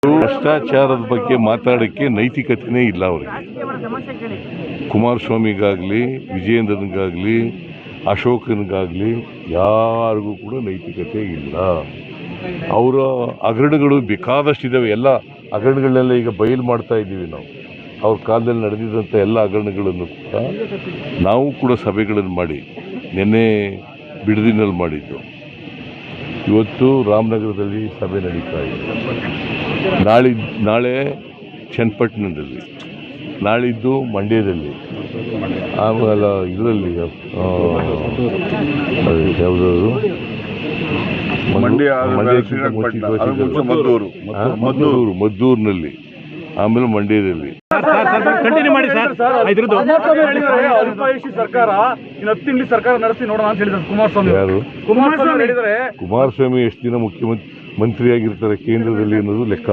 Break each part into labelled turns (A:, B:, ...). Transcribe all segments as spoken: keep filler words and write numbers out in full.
A: ಭ್ರಷ್ಟಾಚಾರದ ಬಗ್ಗೆ ಮಾತಾಡೋಕ್ಕೆ ನೈತಿಕತೆನೇ ಇಲ್ಲ ಅವರಿಗೆ. ಕುಮಾರಸ್ವಾಮಿಗಾಗಲಿ, ವಿಜಯೇಂದ್ರನಿಗಾಗಲಿ, ಅಶೋಕನಿಗಾಗಲಿ ಯಾರಿಗೂ ಕೂಡ ನೈತಿಕತೆ ಇಲ್ಲ. ಅವರ ಹಗರಣಗಳು ಬೇಕಾದಷ್ಟಿದ್ದಾವೆ. ಎಲ್ಲ ಹಗರಣಗಳನ್ನೆಲ್ಲ ಈಗ ಬಯಲು ಮಾಡ್ತಾ ಇದ್ದೀವಿ ನಾವು. ಅವ್ರ ಕಾಲದಲ್ಲಿ ನಡೆದಿದ್ದಂಥ ಎಲ್ಲ ಹಗರಣಗಳನ್ನು ಕೂಡ ನಾವು ಕೂಡ ಸಭೆಗಳನ್ನು ಮಾಡಿ ನಿನ್ನೆ ಬಿಡದಿನಲ್ಲಿ ಮಾಡಿದ್ದು. ಇವತ್ತು ರಾಮನಗರದಲ್ಲಿ ಸಭೆ ನಡೀತಾ ಇದೆ. ನಾಳೆ ನಾಳೆ ಚನ್ನಪಟ್ಟಣದಲ್ಲಿ, ನಾಳಿದ್ದು ಮಂಡ್ಯದಲ್ಲಿ, ಆಮೇಲೆ ಇದರಲ್ಲಿ ಯಾವುದಾದ್ರು ಮದ್ದೂರು ಮದ್ದೂರು ಮದ್ದೂರಿನಲ್ಲಿ, ಆಮೇಲೆ ಮಂಡ್ಯದಲ್ಲಿ.
B: ಸರ್ಕಾರ ಹತ್ತಿಂಗ್ಲಿ ಸರ್ಕಾರ ನಡೆಸಿ ನೋಡೋಣ ಅಂತ ಹೇಳಿದ್ರು ಕುಮಾರಸ್ವಾಮಿ.
A: ಯಾರು
B: ಕುಮಾರಸ್ವಾಮಿ ಹೇಳಿದರೆ
A: ಕುಮಾರಸ್ವಾಮಿ ಎಷ್ಟು ದಿನ ಮುಖ್ಯಮಂತ್ರಿ ಮಂತ್ರಿಯಾಗಿರ್ತಾರೆ ಕೇಂದ್ರದಲ್ಲಿ ಅನ್ನೋದು ಲೆಕ್ಕ.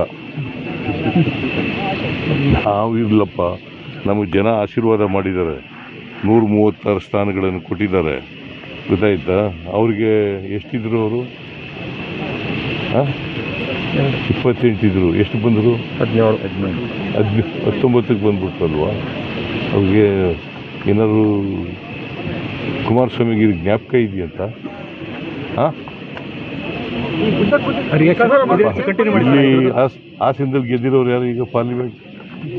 A: ನಾವು ಇರಲಪ್ಪ, ನಮಗೆ ಜನ ಆಶೀರ್ವಾದ ಮಾಡಿದ್ದಾರೆ, ನೂರ ಮೂವತ್ತಾರು ಸ್ಥಾನಗಳನ್ನು ಕೊಟ್ಟಿದ್ದಾರೆ. ಗೊತ್ತಾಯ್ತಾ? ಅವ್ರಿಗೆ ಎಷ್ಟಿದ್ರು ಅವರು? ಇಪ್ಪತ್ತೆಂಟಿದ್ರು. ಎಷ್ಟು ಬಂದರು? ಹದಿನೇಳು ಹದಿನೆಂಟು ಹದಿನ ಹತ್ತೊಂಬತ್ತಕ್ಕೆ ಬಂದ್ಬಿಟ್ರಲ್ವಾ? ಅವ್ರಿಗೆ ಏನಾದ್ರು ಕುಮಾರಸ್ವಾಮಿಗೆ ಜ್ಞಾಪಕ ಇದೆಯಂತ? ಹಾಂ, ಇಲ್ಲಿ ಹಾಸನದಲ್ಲಿ ಗೆದ್ದಿರೋರು ಯಾರು ಈಗ ಪಾರ್ಲಿಮೆಂಟ್?